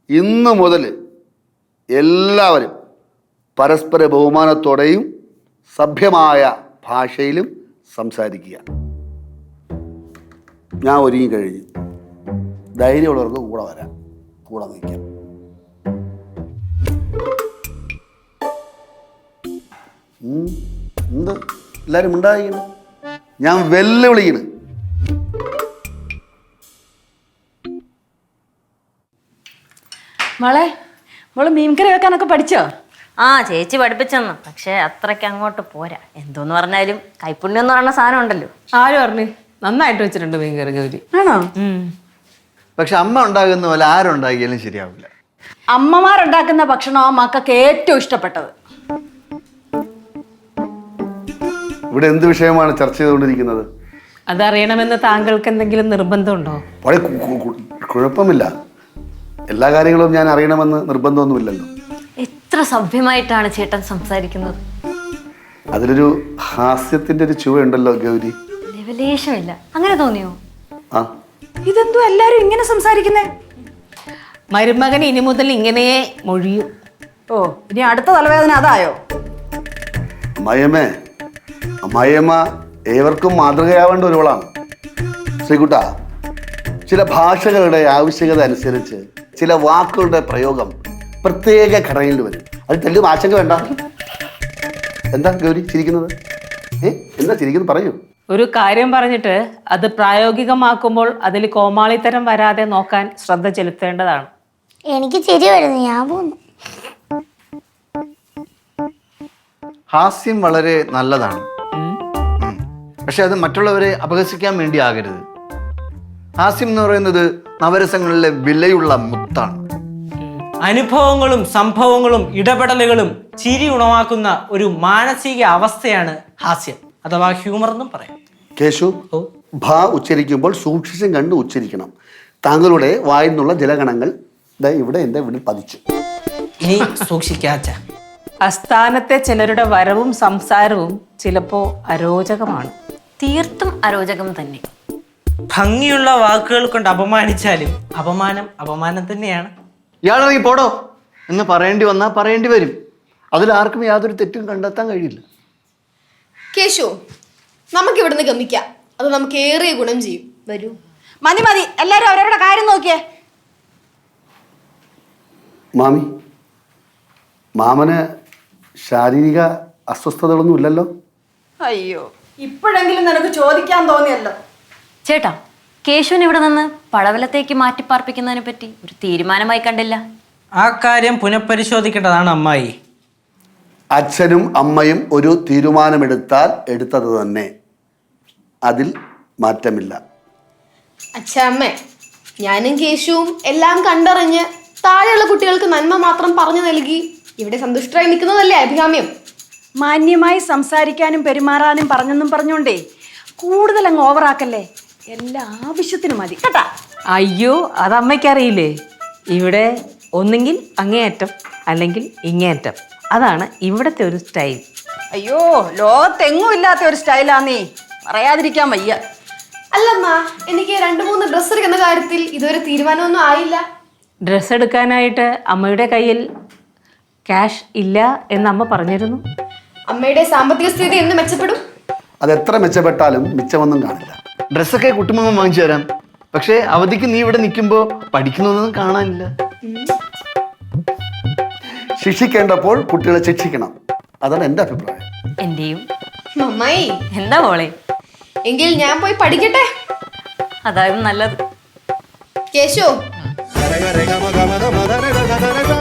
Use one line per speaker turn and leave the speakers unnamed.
ഇന്ന് മുതൽ എല്ലാവരും പരസ്പര ബഹുമാനത്തോടെയും സഭ്യമായ ഭാഷയിലും സംസാരിക്കുക. ഞാൻ ഒരുങ്ങി കഴിഞ്ഞു. ധൈര്യമുള്ളവർക്ക് കൂടെ വരാം, കൂടെ നിൽക്കാം. എന്ത് എല്ലാവരും ഉണ്ടായിരിക്കണം. ഞാൻ വെല്ലുവിളിക്കണം.
മോള് മീൻകറി വെക്കാനൊക്കെ പഠിച്ചോ?
ആ ചേച്ചി പഠിപ്പിച്ചെന്നു, പക്ഷെ അത്രയ്ക്ക് അങ്ങോട്ട് പോരാ. എന്തോന്ന് പറഞ്ഞാലും കൈപ്പുണ്യം എന്ന് പറയുന്ന സാധനം ഉണ്ടല്ലോ.
ആര് പറഞ്ഞു? നന്നായിട്ട് വെച്ചിട്ടുണ്ട് മീൻകറി ഗൗരി.
ആണോ?
പക്ഷെ അമ്മ ഉണ്ടാകുന്ന പോലെ ആരുണ്ടാക്കിയാലും ശരിയാവില്ല.
അമ്മമാരുണ്ടാക്കുന്ന ഭക്ഷണം മക്കൾക്ക് ഏറ്റവും ഇഷ്ടപ്പെട്ടത്.
ഇവിടെ എന്ത് വിഷയമാണ് ചർച്ച ചെയ്തുകൊണ്ടിരിക്കുന്നത്?
അതറിയണമെന്ന് താങ്കൾക്ക് എന്തെങ്കിലും നിർബന്ധമുണ്ടോ?
കുഴപ്പമില്ല. എല്ലാ കാര്യങ്ങളും ഞാൻ അറിയണമെന്ന് നിർബന്ധമൊന്നുമില്ലല്ലോ.
എത്ര സഭ്യമായിട്ടാണ് ചേട്ടൻ സംസാരിക്കുന്നത്.
അതിലൊരു ഹാസ്യത്തിന്റെ ഒരു ചുവയുണ്ടല്ലോ ഗൗരി.
ലെവലേശമില്ല. അങ്ങനെ തോന്നിയോ?
ആ,
ഇതെന്തോ എല്ലാരും ഇങ്ങനെ സംസാരിക്കുന്നേ?
മരുമകൻ ഇനി മുതൽ ഇങ്ങനെ മൊഴിയും.
ഓ, ഇനി അടുത്ത തലവേദന അതായോ?
അമ്മായിയമ്മ ഏവർക്കും മാതൃകയാവേണ്ട ഒരുവളാണ്. ശ്രീകുട്ട, ചില ഭാഷകളുടെ ആവശ്യകത അനുസരിച്ച് ചില വാക്കുകളുടെ പ്രയോഗം പ്രത്യേക ഘടനയിൽ വരും. അത് തെല്ലും ആശങ്ക വേണ്ട. എന്താ ഗൗരി ചിരിക്കുന്നത്? എന്താ ചിരിക്കുന്നത്? പറയൂ.
ഒരു കാര്യം പറഞ്ഞിട്ട് അത് പ്രായോഗികമാക്കുമ്പോൾ അതിൽ കോമാളിത്തരം വരാതെ നോക്കാൻ ശ്രദ്ധ ചെലുത്തേണ്ടതാണ്.
എനിക്ക് ചിരി വരുന്നു, ഞാൻ പോന്നു.
ഹാസ്യം വളരെ നല്ലതാണ്, പക്ഷെ അത് മറ്റുള്ളവരെ അപഹസിക്കാൻ വേണ്ടി ആകരുത്. ഹാസ്യം എന്ന് പറയുന്നത് നവരസങ്ങളിലെ വിലയുള്ള മുത്താണ്.
അനുഭവങ്ങളും സംഭവങ്ങളും ഇടപെടലുകളും ചിരി ഉണവാക്കുന്ന ഒരു മാനസിക അവസ്ഥയാണ് ഹാസ്യം അഥവാ ഹ്യൂമർ എന്നും പറയാം.
കേശു, ഭ ഉച്ചരിക്കുമ്പോൾ സൂക്ഷിച്ചും കണ്ട് ഉച്ചരിക്കണം. താങ്കളുടെ വായിൽ നിന്നുള്ള ജലഗണങ്ങൾ ഇവിടെ എൻ്റെ വീട്ടിൽ പതിച്ചു.
ഇനി സൂക്ഷിക്കാച്ച.
അസ്ഥാനത്തെ ചിലരുടെ വരവും സംസാരവും ചിലപ്പോ അരോചകമാണ്.
തീർത്തും അരോചകം തന്നെ.
ഭംഗിയുള്ള വാക്കുകൾ കൊണ്ട് അപമാനിച്ചാലും അപമാനം തന്നെയാണ്.
ഇയാളിറങ്ങി പോടോ എന്ന് പറയേണ്ടി വന്നാൽ പറയേണ്ടി വരും.
അതിലാർക്കും യാതൊരു തെറ്റും കണ്ടെത്താൻ കഴിയില്ല.
കേശു, നമുക്ക് ഇവിടുന്ന് ഗമിക്കാം. അത് നമുക്ക് ഏറെ ഗുണം ചെയ്യും. വരൂ.
മതി, എല്ലാരും അവരവരുടെ കാര്യം നോക്കിയേ.
മാമന് ശാരീരിക അസ്വസ്ഥതകളൊന്നും ഇല്ലല്ലോ?
അയ്യോ, ഇപ്പോഴെങ്കിലും നിനക്ക് ചോദിക്കാൻ തോന്നിയല്ലോ.
ചേട്ടാ, കേശുവിനെ ഇവിടെ നിന്ന് പടവലത്തേക്ക് മാറ്റിപ്പാർപ്പിക്കുന്നതിനെ പറ്റി ഒരു തീരുമാനമായി കണ്ടില്ല.
ആ കാര്യം പുനഃപരിശോധിക്കേണ്ടതാണ് അമ്മായി.
അച്ഛനും അമ്മയും ഒരു തീരുമാനമെടുത്താൽ എടുത്തത് തന്നെ, അതിൽ മാറ്റമില്ല.
അച്ഛാമ്മേ, ഞാനും കേശുവും എല്ലാം കണ്ടറിഞ്ഞ് താഴെയുള്ള കുട്ടികൾക്ക് നന്മ മാത്രം പറഞ്ഞു നൽകി ഇവിടെ സന്തുഷ്ടരായി നിൽക്കുന്നതല്ലേ അഭികാമ്യം.
മാന്യമായി സംസാരിക്കാനും പെരുമാറാനും പറഞ്ഞോണ്ടേ കൂടുതൽ അങ്ങ് ഓവറാക്കല്ലേ. എല്ലാ ആവശ്യത്തിനും മതി കേട്ടാ.
അയ്യോ, അത് അമ്മയ്ക്കറിയില്ലേ? ഇവിടെ ഒന്നെങ്കിൽ അങ്ങേയറ്റം അല്ലെങ്കിൽ ഇങ്ങേയറ്റം. അതാണ് ഇവിടത്തെ ഒരു സ്റ്റൈൽ.
അയ്യോ, ലോകത്തെങ്ങും ഇല്ലാത്ത ഒരു സ്റ്റൈലാന്നേ, പറയാതിരിക്കാൻ വയ്യ.
അല്ലമ്മ, എനിക്ക് 2-3 ഡ്രസ്സ് എടുക്കുന്ന കാര്യത്തിൽ ഇതുവരെ തീരുമാനമൊന്നും ആയില്ല.
ഡ്രസ്സ് എടുക്കാനായിട്ട് അമ്മയുടെ കയ്യിൽ ക്യാഷ് ഇല്ല എന്ന് അമ്മ പറഞ്ഞിരുന്നു.
അമ്മയുടെ സാമ്പത്തിക സ്ഥിതി എന്ന് മെച്ചപ്പെടും?
അതെത്ര മെച്ചപ്പെട്ടാലും മിച്ചമൊന്നും കാണില്ല.
ഡ്രസ്സൊക്കെ കുട്ടുമ്പം വാങ്ങിച്ചു തരാം, പക്ഷെ അവധിക്ക് നീ ഇവിടെ നിൽക്കുമ്പോൾ പഠിക്കുന്നൊന്നും കാണാനില്ല.
ശിക്ഷിക്കേണ്ടപ്പോൾ കുട്ടികളെ ശിക്ഷിക്കണം. അതാണ് എൻ്റെ അഭിപ്രായം.
എന്റെയും.
അമ്മായി,
എന്താ മോളെ?
എങ്കിൽ ഞാൻ പോയി പഠിക്കട്ടെ.
അതായത് നല്ലത്.
കേശു,